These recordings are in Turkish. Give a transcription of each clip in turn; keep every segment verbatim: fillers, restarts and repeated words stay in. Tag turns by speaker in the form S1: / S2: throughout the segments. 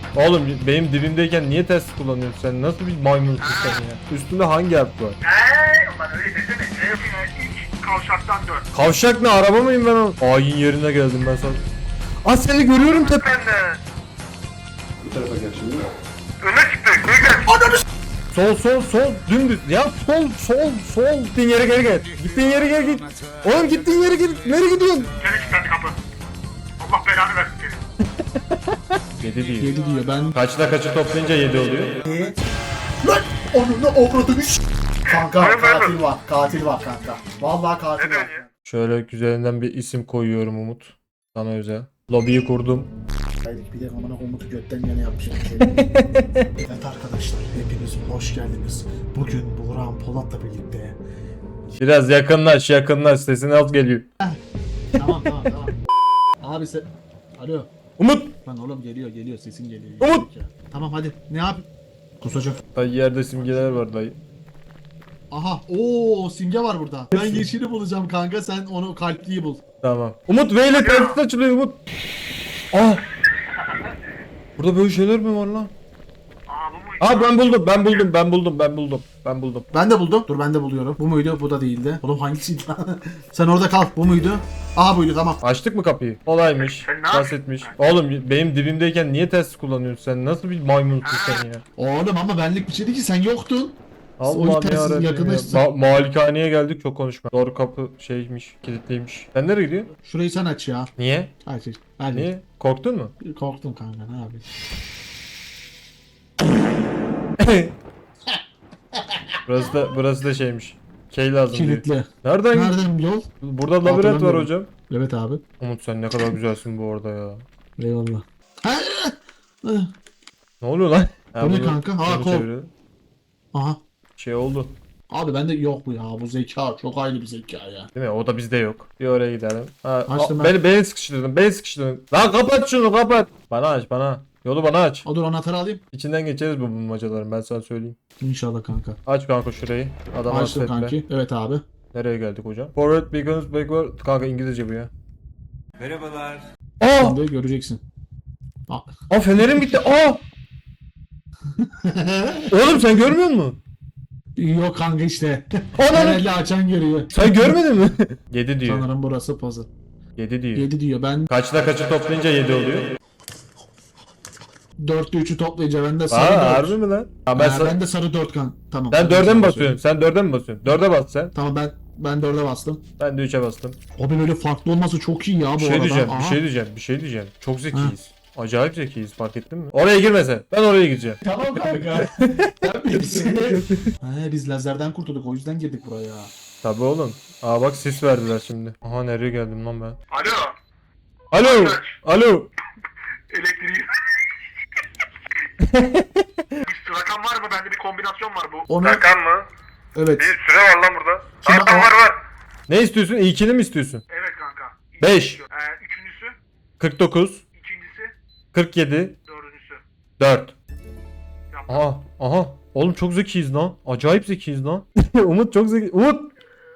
S1: Oğlum benim dibimdeyken niye test kullanıyorsun sen? Nasıl bir maymunsun sen ya? Üstünde hangi harf var?
S2: Eee ulan öyle desene. Eee ilk kavşaktan dön.
S1: Kavşak ne? Araba mıyım ben o? Ayin yerine geldim ben sana. Aa seni görüyorum tepe.
S2: Ben de.
S3: Bu tarafa gel şimdi.
S2: Öne çıktı. Geri gel. Ananı s***.
S1: Sol sol sol dümdüz. Ya sol sol sol. Gittiğin yere geri gel. Gittiğin yere geri git. Oğlum gittiğin yere git. Nereye gidiyorsun?
S2: Geri çıktı kapı. Allah belanı versin seni.
S1: yedi diyor.
S4: yedi diyor ben.
S1: Kaçla kaçı toplayınca yedi oluyor.
S4: Lan onunla avradını s***. Kanka
S2: Hayır, hayır.
S4: katil var. Katil var kanka. Vallahi katil
S2: Ne
S4: var.
S2: diyorsun ya?
S1: Şöyle güzelinden bir isim koyuyorum Umut. Sana özel. Lobiyi kurdum.
S4: Hayır bir de amına Umut'u götten yana yapmışım. Evet arkadaşlar hepiniz hoş geldiniz. Bugün Buğra'nın Polat'la birlikte.
S1: Biraz yakınlaş yakınlaş sesin alt geliyor.
S4: Tamam tamam tamam. Abi sen... Alo.
S1: Umut!
S4: Lan oğlum geliyor geliyor sesin geliyor.
S1: Umut!
S4: Ya. Tamam hadi ne yap? Kusacak.
S1: Dayı yerde simgeler var dayı.
S4: Aha ooo simge var burada. Ben yeşili bulacağım kanka sen onu kalpliyi bul.
S1: Tamam. Umut V ile tehdit açılıyor Umut. Aa! Burada böyle şeyler mi var lan?
S2: Aa bu muydu?
S1: Aa ben buldum ben buldum ben buldum ben buldum ben buldum.
S4: Ben de buldum. Dur ben de buluyorum. Bu muydu? Bu da değildi. Oğlum hangisiydi lan? Sen orada kal. Bu muydu? Aha buydu tamam.
S1: Açtık mı kapıyı? Kolaymış.
S2: Sen ne yapıyorsun?
S1: Basitmiş. Oğlum benim dibimdeyken niye test kullanıyorsun sen? Nasıl bir maymunsun sen ya?
S4: Oğlum ama benlik bir şeydi ki sen yoktun. O
S1: Allah'ım
S4: yüzden siz
S1: yarabbim ya.
S4: yakınlaştın.
S1: Ma- malikaneye geldik çok konuşma. Doğru kapı şeymiş kilitliymiş. Sen nereye gidiyorsun?
S4: Şurayı sen aç ya.
S1: Niye?
S4: Aç aç. Hadi.
S1: Niye? Korktun mu?
S4: Korktum kanka ne yapayım.
S1: burası da burası da şeymiş. Key lazım diyor.
S4: Kilitli.
S1: Nereden?
S4: Nereden yol?
S1: Burada labirent var
S4: Hatırlamıyorum.
S1: hocam.
S4: Evet abi.
S1: Umut sen ne kadar güzelsin bu arada ya.
S4: Eyvallah.
S1: Ne oluyor lan? Ha,
S4: Bu ne
S1: bunu-
S4: kanka? Ha,
S1: bunu
S4: kol.
S1: çeviriyor.
S4: Aha.
S1: Şey oldu.
S4: Abi bende yok bu ya. Bu zeka çok ayrı bir zeka ya.
S1: Değil mi? O da bizde yok. Bir oraya gidelim. Ha,
S4: Açtım
S1: a-
S4: ben.
S1: beni, beni sıkıştırdın. Beni sıkıştırdın. Lan kapat şunu kapat. Bana aç bana. Yolu bana aç.
S4: O dur anahtarı alayım.
S1: İçinden geçeriz bu bulmacaların ben sana söyleyeyim.
S4: İnşallah kanka.
S1: Aç kanka şurayı. Adam
S4: Açtım
S1: affetme.
S4: kanki. Evet abi.
S1: Nereye geldik hocam? Forward beacons backward. Kanka İngilizce bu ya.
S3: Merhabalar.
S1: Aa!
S4: Şimdi göreceksin. Aa.
S1: Aa fenerim gitti. Aa! Oğlum sen görmüyor musun?
S4: Yok kanka işte.
S1: Ananı-
S4: Herhalde açan görüyor.
S1: Sen görmedin mi? yedi diyor.
S4: Sanırım burası puzzle.
S1: yedi diyor.
S4: yedi diyor. Ben
S1: Kaçla kaçı toplayınca yedi oluyor.
S4: dörtte üçü toplayınca ben de
S1: Aa
S4: sarı dört.
S1: harbi mi lan? Ha, ben,
S4: Ben,
S1: sa-
S4: ben de sarı dört kan. Tamam.
S1: sen
S4: Ben
S1: dörde mi
S4: sarı
S1: basıyorsun? Sen dörde mi basıyorsun? Dörde bas sen.
S4: Tamam ben ben dörde bastım.
S1: Ben de üçe bastım.
S4: Abi böyle farklı olması çok iyi ya bu
S1: Bir şey
S4: arada.
S1: diyeceğim, bir
S4: Aha.
S1: şey diyeceğim, bir şey diyeceğim. Çok zekiyiz. Acayip zekiyiz fark ettin mi? Oraya girme sen. Ben oraya gireceğim.
S4: Tamam kanka. He biz lazerden kurtulduk o yüzden girdik buraya.
S1: Tabii oğlum. Aa bak sis verdiler şimdi. Aha nereye geldim lan ben?
S2: Alo.
S1: Alo! Alo!
S2: Elektriği. Bir rakam var mı? Bende bir kombinasyon var bu.
S4: Onu-
S2: Rakam mı?
S4: Evet.
S2: Bir süre var lan burada.
S4: Şimdi
S2: Rakam
S4: o-
S2: var var.
S1: Ne istiyorsun? İlkini mi istiyorsun?
S2: Evet kanka.
S1: Beş.
S2: Ee, üçüncüsü.
S1: kırk dokuz,
S2: İkincisi.
S1: kırk yedi,
S2: Dördüncüsü.
S1: dört.
S2: Yapma.
S1: Aha, aha. Oğlum çok zekiyiz lan. Acayip zekiyiz lan. Umut çok zeki. Umut!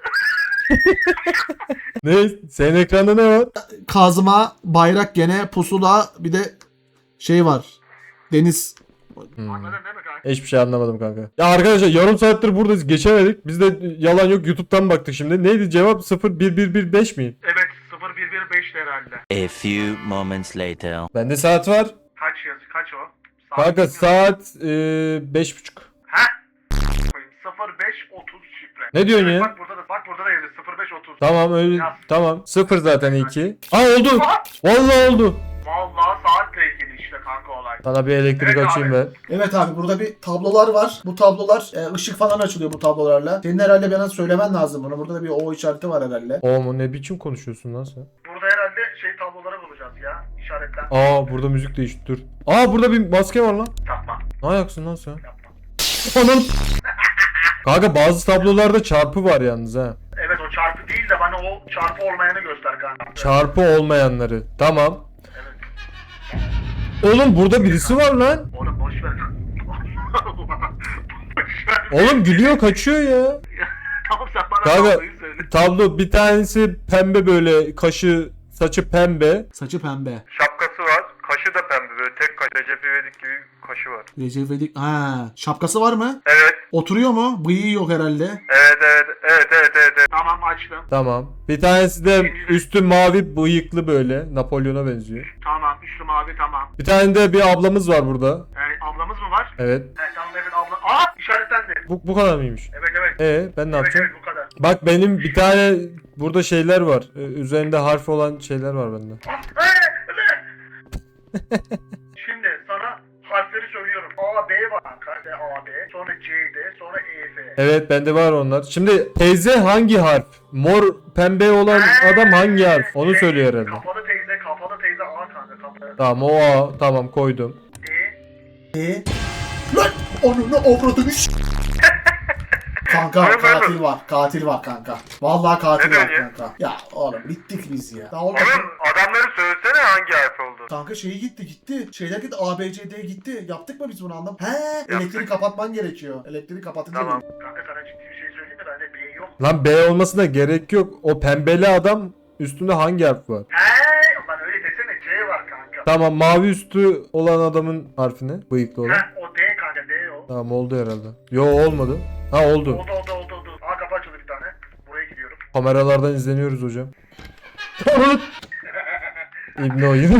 S1: Ne? Senin ekranda ne var?
S4: Kazma, bayrak gene, pusula bir de şey var. Deniz.
S1: Hmm.
S2: Anladın değil mi kanka?
S1: Hiçbir şey anlamadım kanka. Ya arkadaşlar yarım saattir buradayız geçemedik. Biz de yalan yok YouTube'dan baktık şimdi. Neydi cevap sıfır bir bir bir beş mi?
S2: Evet sıfır bir bir beşti herhalde.
S5: A few moments later.
S1: Bende saat var.
S2: Kaç yazı? Kaç o? Saat
S1: Kanka
S2: bilmiyorum.
S1: saat e, beş buçuk.
S2: Ha? sıfır beş otuz şifre.
S1: Ne diyorsun
S2: Evet,
S1: ya?
S2: Bak burada da bak burada da yazıyor sıfır beş otuz.
S1: Tamam öyle
S2: Yaz.
S1: tamam. Sıfır zaten iki. Aa oldu. Vallahi oldu.
S2: Vallahi saatle ilgili işte kanka olay.
S1: Sana bir elektrik
S2: Evet
S1: açayım
S2: abi.
S1: ben.
S4: Evet abi burada bir tablolar var. Bu tablolar e, ışık falan açılıyor bu tablolarla. Senin herhalde bana söylemen lazım bunu. Burada da bir O işareti var herhalde.
S1: Oğlum ne biçim konuşuyorsun lan sen?
S2: Burada herhalde şey tabloları bulacağız ya. İşaretlen.
S1: Aa burada müzik değişti dur. Aa burada bir maske var lan.
S2: Yapma.
S1: Ne ayaksın lan sen?
S2: Yapma.
S1: Anam. Kanka bazı tablolarda çarpı var yalnız ha.
S2: Evet o çarpı değil de bana o çarpı olmayanı göster kanka.
S1: Çarpı olmayanları. Tamam.
S2: Evet.
S1: Oğlum burada birisi var lan.
S2: Oğlum boş ver. Boş ver.
S1: Oğlum gülüyor kaçıyor ya.
S2: Tamam sen bana
S1: Kanka
S2: tabloyu söyle.
S1: tablo bir tanesi pembe böyle kaşı saçı pembe.
S4: Saçı pembe.
S2: Şapkası var. Kaşı da pembe böyle tek kaş. Recep İvedik gibi kaşı var.
S4: Recep İvedik. Ha, şapkası var mı?
S2: Evet.
S4: Oturuyor mu? Bıyığı yok herhalde.
S2: Evet evet evet evet evet. evet. Tamam açtım.
S1: Tamam. Bir tanesi de üstü mavi bıyıklı böyle. Napolyon'a benziyor.
S2: Tamam üstüm abi tamam.
S1: Bir tane de bir ablamız var burada.
S2: Yani ablamız mı var?
S1: Evet.
S2: Evet tamam evet abla. Aa işaretlendi.
S1: Bu, bu kadar mıymış?
S2: Evet evet.
S1: Ee ben ne
S2: Evet
S1: yapacağım?
S2: evet bu kadar.
S1: Bak benim bir tane burada şeyler var. Ee, üzerinde harf olan şeyler var bende.
S2: Ah, ee, ee. Şimdi sana harfleri söylüyorum. A, B var kanka. A, B. Sonra C, D. Sonra E, F.
S1: Evet bende var onlar. Şimdi teyze hangi harf? Mor pembe olan adam hangi harf? Onu
S2: Şey,
S1: söylüyor herhalde.
S2: Kapalı teyze, kapalı teyze A kanka. Kapalı.
S1: Tamam o A. Tamam koydum.
S2: D.
S4: E? Lan! Onu ne avradını s- Kanka
S2: Buyur, buyur.
S4: katil var. Katil var kanka. Vallahi katil
S2: Ne
S4: var
S2: diyorsun ya?
S4: kanka. Ya oğlum bittik biz ya. Ya oğlum,
S2: Oğlum adamları söylesene hangi harf oldu.
S4: kanka şeyi gitti gitti. Şeyler gitti. A, B, C, D gitti. Yaptık mı biz bunu anlam? He, elektriği kapatman gerekiyor. Elektriği kapatınca
S2: Tamam.
S4: değil.
S2: Kanka sana ciddi bir şey söyleyeyim mi? Bende B yok.
S1: Lan B olmasına gerek yok. O pembeli adam üstünde hangi harf var?
S2: He, lan öyle desene C var kanka.
S1: Tamam mavi üstü olan adamın harfi ne? Bıyıklı olan.
S2: Ha, o D kanka D o.
S1: Tamam oldu herhalde. Yo olmadı. Ha oldu.
S2: Oldu oldu oldu oldu. Aa kapı açıldı bir tane. Buraya gidiyorum.
S1: Kameralardan izleniyoruz hocam. İbni oyun.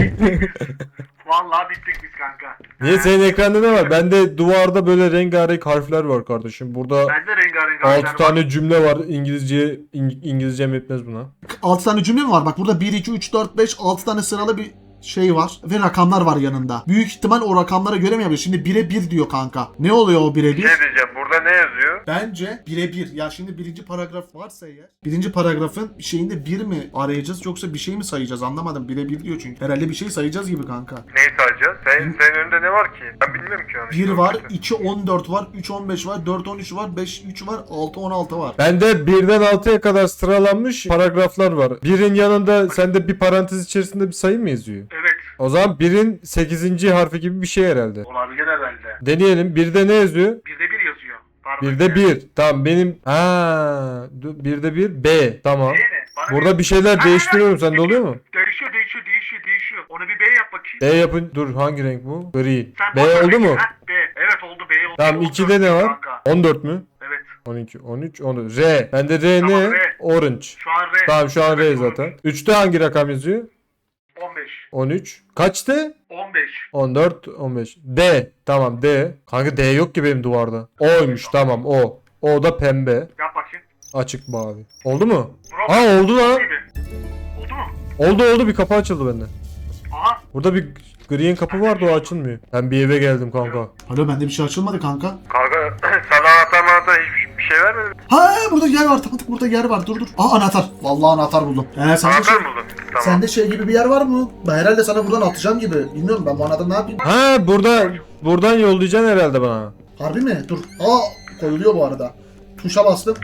S2: Vallahi bittik biz kanka.
S1: Niye senin ekranda ne var? Bende duvarda böyle rengarenk harfler var kardeşim. Burada
S2: Bende rengarenk harfler
S1: altı tane cümle var. İngilizce İng- İngilizcem yetmez buna.
S4: altı tane cümle mi var? Bak burada bir, iki, üç, dört, beş, altı tane sıralı bir şey var. Ve rakamlar var yanında. Büyük ihtimal o rakamlara göre mi yapıyor? Şimdi bire bir diyor kanka. Ne oluyor o bire bir?
S2: Ne diyeceğim burada ne yazıyor?
S4: Bence birebir. Ya şimdi birinci paragraf varsa eğer. Birinci paragrafın şeyinde bir mi arayacağız yoksa bir şey mi sayacağız? Anlamadım. Birebir diyor çünkü. Herhalde bir şey sayacağız gibi kanka.
S2: Neyi sayacağız? Senin, senin önünde ne var ki? Ben bilmiyorum ki onu.
S4: bir var, iki on dört var, üç on beş var, dört on üç var, beş üç var, altı on altı var.
S1: Bende birden altıya kadar sıralanmış paragraflar var. Birin yanında sende bir parantez içerisinde bir sayı mı yazıyor?
S2: Evet.
S1: O zaman birin sekizinci harfi gibi bir şey herhalde.
S2: Olabilir herhalde.
S1: Deneyelim. Birde ne yazıyor?
S2: Birde bir yazıyor. Pardon.
S1: Birde bir. Tamam benim. Ha, dur, birde bir B. Tamam.
S2: Değil mi? Bana
S1: Burada bir şeyler
S2: Ha,
S1: değiştiriyorum.
S2: ha,
S1: Sende oluyor mu?
S2: Değişiyor değişiyor değişiyor değişiyor. Onu bir B yap bakayım.
S1: B yapın. Dur hangi renk bu? Green.
S2: Sen
S1: B
S2: boş ver
S1: oldu mu?
S2: Ha, B. Evet oldu B oldu.
S1: Tamam
S2: oldu.
S1: ikide ne var?
S2: Kanka.
S1: on dört mü?
S2: Evet.
S1: on iki, on üç, on dört. R. Bende R
S2: Tamam,
S1: ne?
S2: R.
S1: Orange.
S2: Şu an R.
S1: Tamam şu an R
S2: Evet,
S1: zaten. üçte hangi rakam yazıyor?
S2: on beş.
S1: on üç. Kaçtı?
S2: on beş.
S1: on dört, on beş. D. Tamam D. Kanka D yok ki benim duvarda. O'ymuş tamam O. O da pembe.
S2: Yap bakayım.
S1: Açık mavi. Oldu mu?
S2: Bro.
S1: Aa oldu lan.
S2: Gibi. Oldu mu?
S1: Oldu oldu bir kapı açıldı bende.
S2: Aha.
S1: Burada bir green kapı vardı o açılmıyor. Ben bir eve geldim kanka.
S4: Alo bende bir şey açılmadı kanka.
S2: Kanka sana anahtar manahtar hiçbir şey vermedin.
S4: Ha burada yer var. Tanıdık burada yer var. Dur dur. Aa anahtar. Vallahi anahtar buldum. Ee, sende, şey,
S2: Anahtar mı buldun? Tamam.
S4: sende şey gibi bir yer var mı? Ben herhalde sana buradan atacağım gibi. Bilmiyorum ben bu anahtarı ne yapayım?
S1: Ha burada buradan yollayacaksın herhalde bana.
S4: Harbi mi? Dur. Aa koyuluyor bu arada. Tuşa bastım.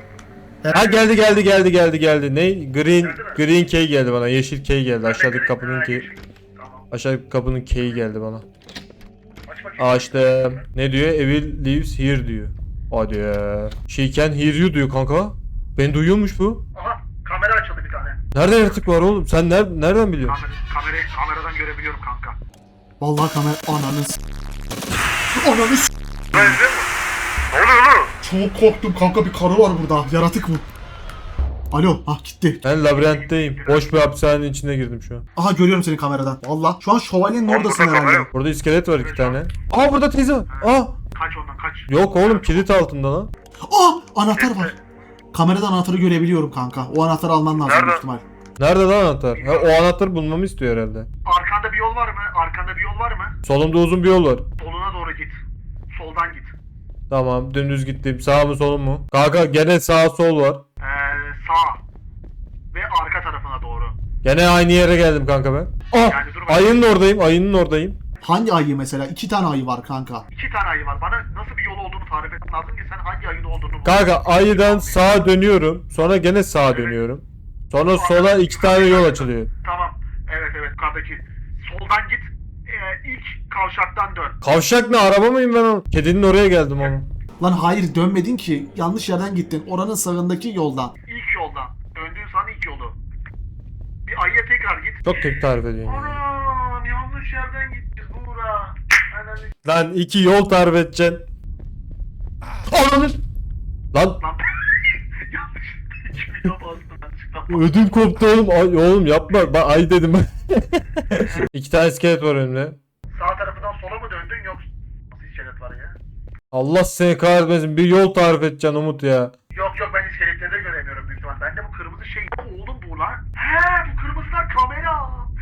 S1: Ha geldi geldi geldi geldi geldi. Ne? Green green key geldi bana. Yeşil key geldi. Aşağıdaki kapının key.
S2: Tamam.
S1: Aşağıdaki kapının key'i geldi bana.
S2: Aç bakayım.
S1: Açtım. Ne diyor? Evil lives here diyor. Hadi ya. She can hear you diyor kanka. Beni duyuyormuş bu.
S2: Aha. Kamera açıldı bir tane.
S1: Nerede yaratık var oğlum? Sen ner nereden biliyorsun?
S2: Kamera, kamerayı kameradan görebiliyorum kanka.
S4: Vallahi kamera ananı s- Ananı s-
S2: Ben izliyor musun? Ne oluyor oğlum?
S4: Çok korktum kanka bir karı var burada. Yaratık bu. Alo. Ah gitti.
S1: Ben labirentteyim. Boş bir hapishanenin içine girdim şu an.
S4: Aha görüyorum seni kameradan. Vallahi şu an şövalyenin
S2: Oğlum,
S4: oradasın
S2: burada kamera
S4: herhalde.
S2: yok.
S1: Burada iskelet var iki tane. Aa burada teyze var. Aa.
S2: Kaç ondan kaç.
S1: Yok oğlum kilit altında lan.
S4: Aa anahtar var. Kameradan anahtarı görebiliyorum kanka. O anahtarı alman lazım
S2: Nerede?
S4: büyük ihtimal.
S1: Nerede lan anahtar? Ha, o anahtarı bulmamı istiyor herhalde.
S2: Arkanda bir yol var mı? Arkanda bir yol var mı?
S1: Solumda uzun bir yol var.
S2: Soluna doğru git. Soldan git.
S1: Tamam dümdüz gittim. Sağ mı solum mu? Kanka gene sağ sol var.
S2: Ee, sağ. Ve arka tarafına doğru.
S1: Gene aynı yere geldim kanka ben. Ah!
S2: Yani dur bakayım.
S1: Ayının oradayım. Ayının oradayım.
S4: Hangi ayı mesela? İki tane ayı var kanka.
S2: İki tane ayı var. Bana nasıl bir yol olduğunu tarif etmen lazım ki sen hangi ayın olduğunu bul.
S1: Kanka ayıdan sağa dönüyorum. Sonra gene sağa dönüyorum. Sonra sola iki tane yol açılıyor.
S2: Tamam. Evet evet yukarıdaki. Soldan git. Ee, ilk kavşaktan dön.
S1: Kavşak ne? Araba mıyım ben oğlum? Kedinin oraya geldim ama.
S4: Lan hayır dönmedin ki. Yanlış yerden gittin. Oranın sağındaki yoldan.
S2: İlk yoldan. Döndüğün sana ilk yolu. Bir ayıya tekrar git.
S1: Çok tek tarif ediyorsun. ya.
S2: Anam yanlış yerden gittik Buğra. güvenlik.
S1: Lan iki yol tarif edeceksin. Ananı. Lan
S2: Lan yanlış. iki video bastım açıktan.
S1: ödüm koptu oğlum. Ay, oğlum yapma. Ben ay dedim. İki tane iskelet var önümde.
S2: Sağ tarafından sola mı döndün yoksa nasıl iskelet var ya?
S1: Allah seni kahretmesin. Bir yol tarif edeceksin Umut ya.
S2: Yok yok ben iskeletleri de göremiyorum büyük ihtimal. Bende bu kırmızı şey. Oğlum bu lan. He bu kırmızılar kamera.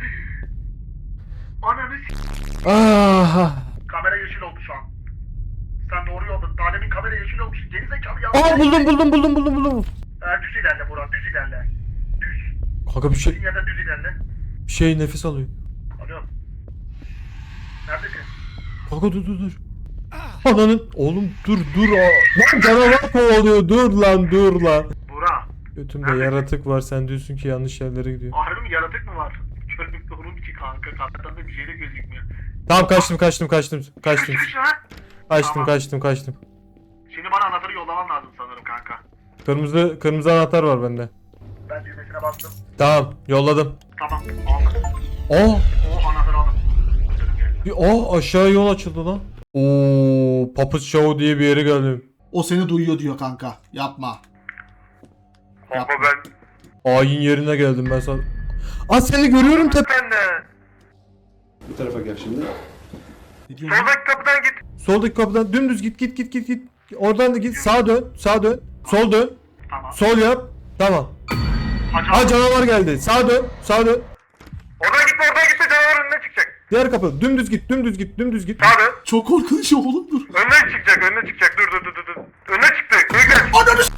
S2: Ananı s***.
S1: Ah.
S2: Kamera yeşil oldu şu an. Sen doğru yolda. Daha demin kamera yeşil olmuş. Geri zekalı ya.
S1: Aa buldum buldum buldum buldum buldum.
S2: Ee, düz ilerle Burak düz ilerle. Düz.
S1: Kanka bir şey
S2: Düz yerden düz ilerle.
S1: bir şey nefes alıyor.
S2: Alıyorum. Neredesin?
S1: Kanka dur dur dur. Ananın oğlum dur dur. Aa. Lan canavar kovalıyor. Dur lan dur lan.
S2: Burak.
S1: Götümde
S2: Nerede?
S1: yaratık var. Sen diyorsun ki yanlış yerlere gidiyor.
S2: Harbi mi yaratık mı var? Körlük doğru ki kanka. Kaptan da bir şey de gözükmüyor.
S1: Tamam kaçtım kaçtım kaçtım kaçtım.
S2: Çıkış lan.
S1: Kaçtım
S2: Tamam.
S1: kaçtım kaçtım.
S2: Şimdi bana anahtarı yollaman lazım sanırım kanka.
S1: Kırmızı kırmızı anahtar var bende.
S2: Ben düğmesine bastım.
S1: Tamam yolladım.
S2: Tamam aldım.
S1: Oh
S2: O anahtarı aldım.
S1: bir oh aşağı yol açıldı lan. Oo Puppet Show diye bir yere geldim.
S4: O seni duyuyor diyor kanka. Yapma.
S2: Kanka ben...
S1: Ayin yerine geldim ben sana. Aa seni görüyorum tepe.
S2: Ben de.
S3: Bu tarafa gel şimdi.
S4: Ne diyorsun?
S2: Soldaki kapıdan git.
S1: Soldaki kapıdan dümdüz git git git git git. Oradan da git sağa dön sağa dön. Sol dön.
S2: Tamam.
S1: Sol yap. Tamam.
S2: Hacı
S1: Aa canavar geldi. Sağa dön. Sağa dön.
S2: Oradan gitme oradan gitme canavar önüne çıkacak.
S1: Diğer kapı. Dümdüz git. Dümdüz git. Dümdüz git.
S2: Sağ dön.
S4: Çok korkunç oğlum dur.
S2: Önüne çıkacak önüne çıkacak. Dur dur dur dur. dur. Önüne çıktı. Geri gel.
S4: Ananı s***.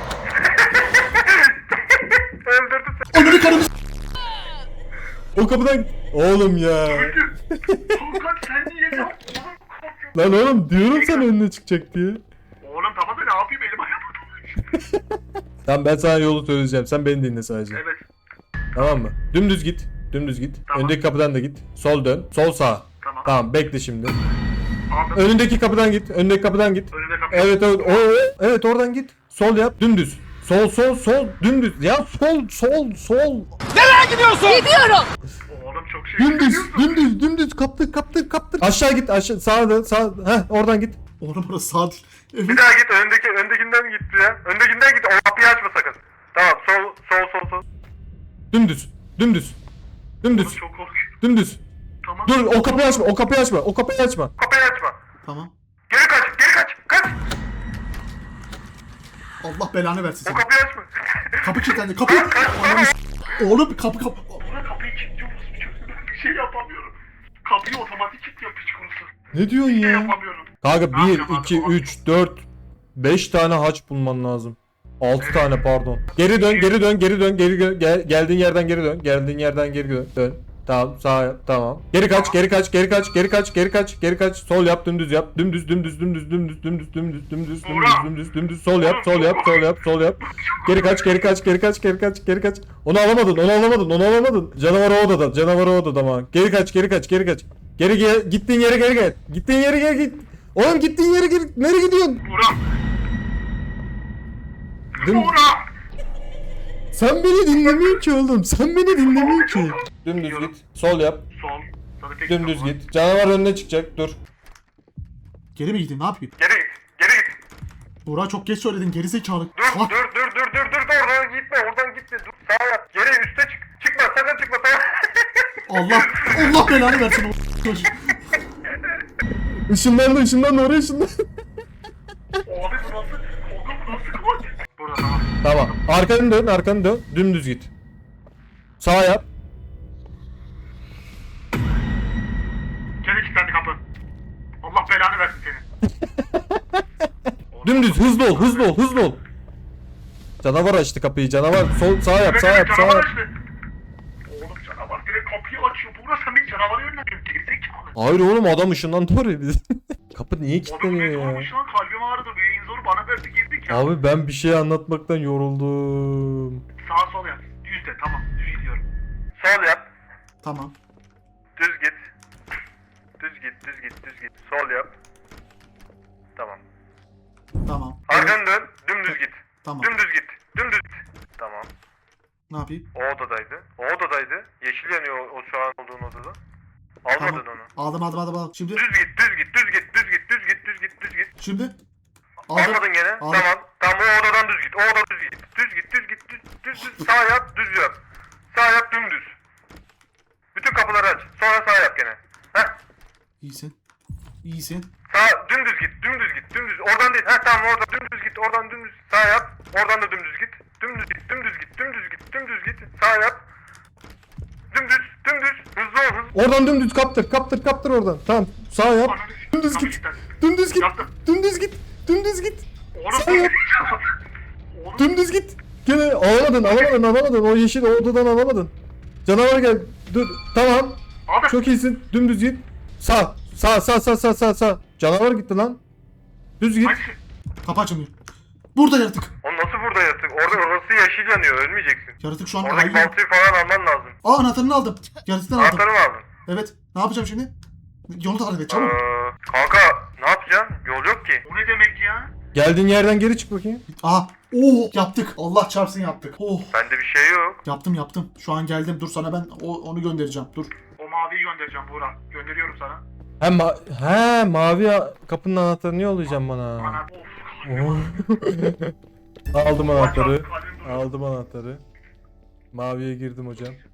S2: Öldürdü seni.
S4: Ananı karımı s***.
S1: O kapıdan git. Oğlum ya.
S2: Öldü. Kanka sen niye yaptın?
S1: Lan oğlum diyorum sana önüne çıkacak diye.
S2: Oğlum tamam da ne yapayım elim ayağıma dolaştı.
S1: Tamam ben sana yolu söyleyeceğim. Sen beni dinle sadece.
S2: Evet.
S1: Tamam mı? Dümdüz git. Dümdüz git.
S2: Tamam.
S1: Öndeki kapıdan da git. Sol dön. Sol sağ.
S2: Tamam.
S1: Tamam bekle şimdi.
S2: Aldım.
S1: Önündeki kapıdan git. Önündeki kapıdan git.
S2: Önünde kapı.
S1: Evet evet. O, evet oradan git. Sol yap. Dümdüz. Sol sol sol dümdüz. Ya sol sol sol.
S2: Oğlum çok şey
S1: Dümdüz
S2: yapıyorsun.
S1: dümdüz dümdüz kaptık kaptık kaptık. Aşağı git aşağı sağa dön sağ. Heh oradan git.
S4: Oğlum burası sağ değil. Evet.
S2: Bir daha git öndeki öndekinden git ya. Öndekinden git. O kapıyı açma sakın. Tamam sol sol sol sol.
S1: Dümdüz. Dümdüz. Dümdüz.
S2: Oğlum çok korkuyorum.
S1: Dümdüz.
S2: Tamam.
S1: Dur o kapıyı açma. O kapıyı açma. O kapıyı açma.
S2: Kapıyı açma.
S4: Tamam.
S2: Geri kaç. Geri kaç. Kaç.
S4: Allah belanı versin
S2: O
S4: seni.
S2: kapıyı açma.
S4: Kapı kilitlendi. Kapı. Ananı s***. Oğlum kapı kapı.
S2: Buna kapıyı kilitliyoruz. Ben bir şey yapamıyorum. Kapıyı otomatik kilitliyor piç kurusu.
S1: Ne diyorsun
S2: Bir şey
S1: ya?
S2: yapamıyorum.
S1: Kanka
S2: Ne
S1: bir,
S2: yapacağım abi?
S1: iki, üç, dört, beş tane haç bulman lazım. altı tane pardon. Geri dön, geri dön, geri dön, geri dön. Gel, geldiğin yerden geri dön. Geldiğin yerden geri dön. Dön. Tamam, sağ yap. Tamam. Geri kaç, geri kaç, geri kaç, geri kaç, geri kaç, geri kaç. Sol yap, dümdüz yap. Dümdüz, dümdüz, dümdüz, dümdüz, dümdüz, dümdüz, dümdüz, dümdüz, dümdüz, dümdüz. Sol yap, sol yap, sol yap, sol yap. Geri kaç, geri kaç, geri kaç, geri kaç, geri kaç. Onu alamadın, onu alamadın, onu alamadın. Canavar o odada, canavar o odada ama. Geri kaç, geri kaç, geri kaç. Geri gel, gittiğin yere geri gel. Gittiğin yere geri git. Oğlum gittiğin yere geri, nereye gidiyorsun?
S2: Burak.
S1: Düm-
S2: Burak.
S1: Sen beni dinlemiyorsun ki oğlum. Sen beni dinlemiyorsun ki. Dümdüz git. Sol yap.
S2: Sol. Sana tek
S1: Dümdüz
S2: kapı var.
S1: git. Canavar önüne çıkacak. Dur.
S4: Geri mi gideyim ne yapayım?
S2: Geri git. Geri git.
S4: Buğra çok geç söyledin geri zekalı.
S2: Dur
S4: Bak.
S2: dur dur dur dur dur dur oradan gitme oradan gitme dur sağa yap geri üste çık çıkma sakın çıkma sağa.
S4: Allah Allah belanı versin o çocuk.
S1: Işınlandı, ışınlandı, oraya ışınlandı.
S2: Abi bu nasıl oğlum bu nasıl kılıç? Burada tamam.
S1: Tamam. Arkanı dön, arkanı dön. Dümdüz git. Sağ yap.
S2: Geri kilitlendi kapı. Allah belanı versin seni.
S1: Dümdüz, hızlı ol, hızlı ol, hızlı ol. Canavar açtı kapıyı, canavar. Sol, sağ yap,
S2: Evet,
S1: sağ
S2: evet,
S1: yap, sağ
S2: canavar
S1: yap.
S2: açtı. Oğlum canavar direkt kapıyı açıyor. Buğra sen bir canavarı yönlendin. Gerizekalı.
S1: Hayır oğlum adam ışınlandı oraya biz. Kapı niye
S2: Oğlum
S1: kilitleniyor
S2: bir
S1: ya?
S2: olmuş lan kalbim ağrıdı. Bir zoru bana verdi girdik ya.
S1: Abi ben bir şey anlatmaktan yoruldum.
S2: Sağ sol yap. Düz de tamam düz gidiyorum. Sol yap.
S4: Tamam.
S2: Düz git. Düz git düz git düz git. Sol yap. Tamam.
S4: Tamam.
S2: Arkanı dön. Dümdüz git.
S4: Tamam.
S2: Dümdüz git. Dümdüz git. Tamam.
S4: Ne yapayım?
S2: O odadaydı. O odadaydı. Yeşil yanıyor o, o şu an olduğun odada. Almadın
S4: Tamam.
S2: onu.
S4: Aldım aldım aldım aldım. Şimdi
S2: Düz git, düz git.
S4: Şimdi. Aldım.
S2: Almadın gene.
S4: Aldım.
S2: Tamam. Tamam o odadan düz git. O odadan düz git. Düz git, düz git, düz, düz, düz. Sağ yap, düz yap. Sağ yap, dümdüz. Bütün kapıları aç. Sonra sağ yap gene. Heh.
S4: İyisin. İyisin.
S2: Sağ, dümdüz git, dümdüz git, dümdüz. Oradan değil. Heh tamam orada dümdüz git, oradan dümdüz. Sağ yap. Oradan da dümdüz git. Dümdüz git, dümdüz git, dümdüz git, dümdüz git. Sağ yap. Dümdüz, dümdüz. Hızlı ol, hızlı.
S1: Oradan dümdüz kaptır kaptır kaptır oradan. Tamam sağ yap. Dümdüz git. Dümdüz git.
S2: Yaptım.
S1: Dümdüz git. Dümdüz git.
S2: Oğlum
S1: Sağ yap.
S2: Oğlum.
S1: Dümdüz git. Gene alamadın alamadın alamadın. O yeşil odadan alamadın. Canavar gel. Dur. Tamam.
S2: Aldım.
S1: Çok iyisin. Dümdüz git. Sağ. Sağ sağ sağ sağ sağ sağ. Canavar gitti lan. Düz git.
S2: Hangisi?
S4: Kapı açılmıyor. Burada yaratık.
S2: O nasıl burada yatık? Orada orası yeşil yanıyor, ölmeyeceksin.
S4: Yaratık şu an
S2: Oradaki
S4: ayıyor.
S2: baltayı falan alman lazım.
S4: Aa anahtarını aldım. Yaratıktan aldım.
S2: Anahtarı mı aldın?
S4: Evet. Ne yapacağım şimdi? Yolu tarif et çabuk.
S2: Ee, kanka ne yapacaksın? Yol yok ki. O ne demek ya?
S1: Geldiğin yerden geri çık bakayım.
S4: Aha. Oo yaptık. Allah çarpsın yaptık. Oh.
S2: Bende bir şey yok.
S4: Yaptım yaptım. Şu an geldim. Dur sana ben o, onu göndereceğim. Dur.
S2: O maviyi göndereceğim Buğra. Gönderiyorum sana.
S1: He, ma he mavi a- kapının anahtarını yollayacağım bana.
S2: Ana of.
S1: Aldım anahtarı.
S2: Kalbim durdu.
S1: Aldım anahtarı. Maviye girdim hocam.